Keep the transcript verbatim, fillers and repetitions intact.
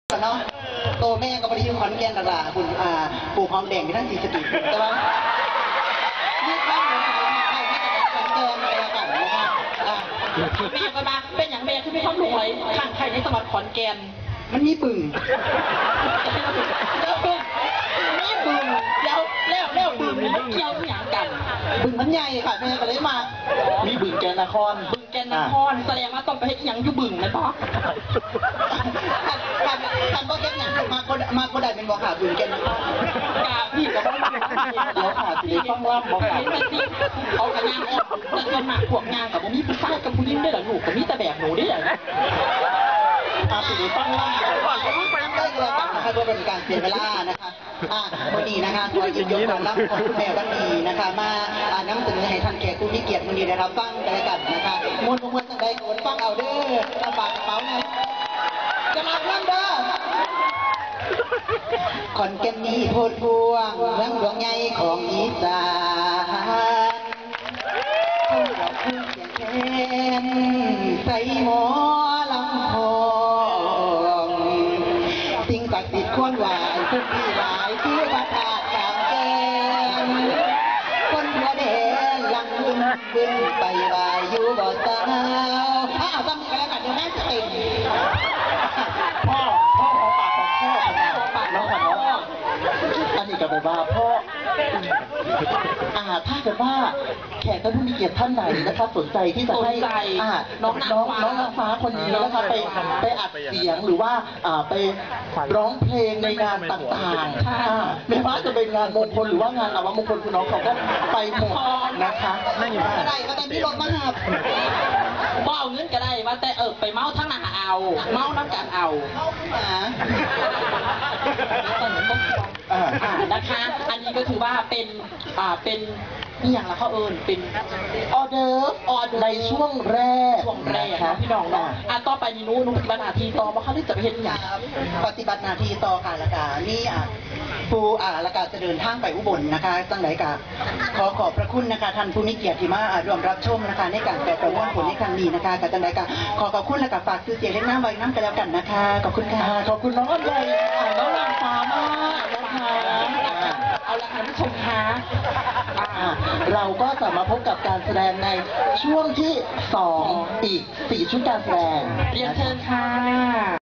เนาะโตแม่ก็ไม่ได้อยู่ขอนแก่นตลาดคุณอ่าปลูกหอมแดงที่ทั้งสี่สติใช่ไหมนี่ข้าวเหนียวขอนแก่นอะไรกันนะครับแม่ก็มาเป็นอย่างแม่คือไม่ต้องรวยข้างใครในจังหวัดขอนแก่นมันมีบึงนี่บึงเดี๋ยวแล้วแล้วบึงมันเกี่ยวอย่างกันบึงมันใหญ่ค่ะแม่ก็เลยมามีบึงแกนนครบึงแกนนครแสดงว่าต้องไปให้ยังอยู่บึงนะป๊อกการการก็แค่อย่างมาก็มาก็ได้เป็นบ่อขาบึงแกนนครกาพี่กับบ้านเดี๋ยวขาสีต้องล่ำบ่อขาเอากระยางออกจะเกินหมากพวกงานกับผมมีผู้ชายกับผู้หญิงได้หรอหนูกับมีแต่แบบหนูได้หรออาสีต้องล่ำได้เลยกันนะคะก็เป็นการเสียเวลานะคะอ่าวันนี้นะคะตัวยินยกความรับของแม่วันนี้นะคะมาอ่านำเสนอให้ท่านแขกผู้มีเกียรติวันนี้นะครับฟังกันแล้วกันนะคะมวลมวลตั้งใจโกนฟังเอาเด้อลำบากกระเป๋าไงจะมาเรื่องเด้อขอนแก่นนี้โพดพวงเมืองหลวงใหญ่ของอีสานคนกับผู้เสียงแคนใส่หมอลำพองสิ่งศักดิ์สิทธิ์ควรไหวผู้ที่หลายที่พระธาตุกลางแก้มคนหัวแดงลังบึ้งบึ้งไปไหวอยู่บ่อสาวอ้าวจำกันแล้วกันเดี๋ยวแม่จะเต็มพ่อพ่อของปากของพ่อของปากน้องของน้องอันนี้ก็แบบว่าพ่ออ่าถ้าเกิดว่าแขกท่านผู้มีเกียรติท่านไหนนะครับสนใจที่จะให้อ่าน้องน้องน้องนางฟ้าคนนี้นะครับไปไปอัดเสียงหรือว่าอ่าไปร้องเพลงในงานต่างๆไม่ว่าจะเป็นงานมงคลหรือว่างานอวมงคลคุณน้องเขาก็ไปหมดนะคะนั่งอยู่บ้านได้ก็แต่พี่รถมาหับบ่เอาเงินก็ได้ว่าแต่เออไปเมาทั้งหนาเอาเมาน้ำกันเอาอ่านะคะอันนี้ก็คือว่าเป็นอ่าเป็นนี่อย่างละเขาเอิญเป็นออเดอร์ออเดอร์ในช่วงแรกช่วงแรกนะพี่น้องเนาะอ่ะต่อไปนี่นู้นปฏิบัติหน้าที่ต่อมาเขาที่จะไปเห็นอย่างปฏิบัติหน้าที่ต่อค่ะละกานี่อ่ะผู้อ่าละกาจะเดินทางไปอุบลนะคะตั้งไหนกาขอขอบพระคุณนะคะท่านผู้มีเกียรติที่มาร่วมรับชมนะคะในการแปลประมวลผลในครั้งนี้นะคะกับตั้งไหนกาขอขอบคุณและกับฝากซื้อเสียงเล่นน้ำไว้น้ำกันแล้วกันนะคะขอบคุณค่ะขอบคุณน้องอ้อมใหญ่น้องนางฟ้ามากนะคะเอาละค่ะผู้ชมคะเราก็จะมาพบกับการแสดงในช่วงที่สองอีกสี่ชุดการแสดงเรียนเชิญค่ะ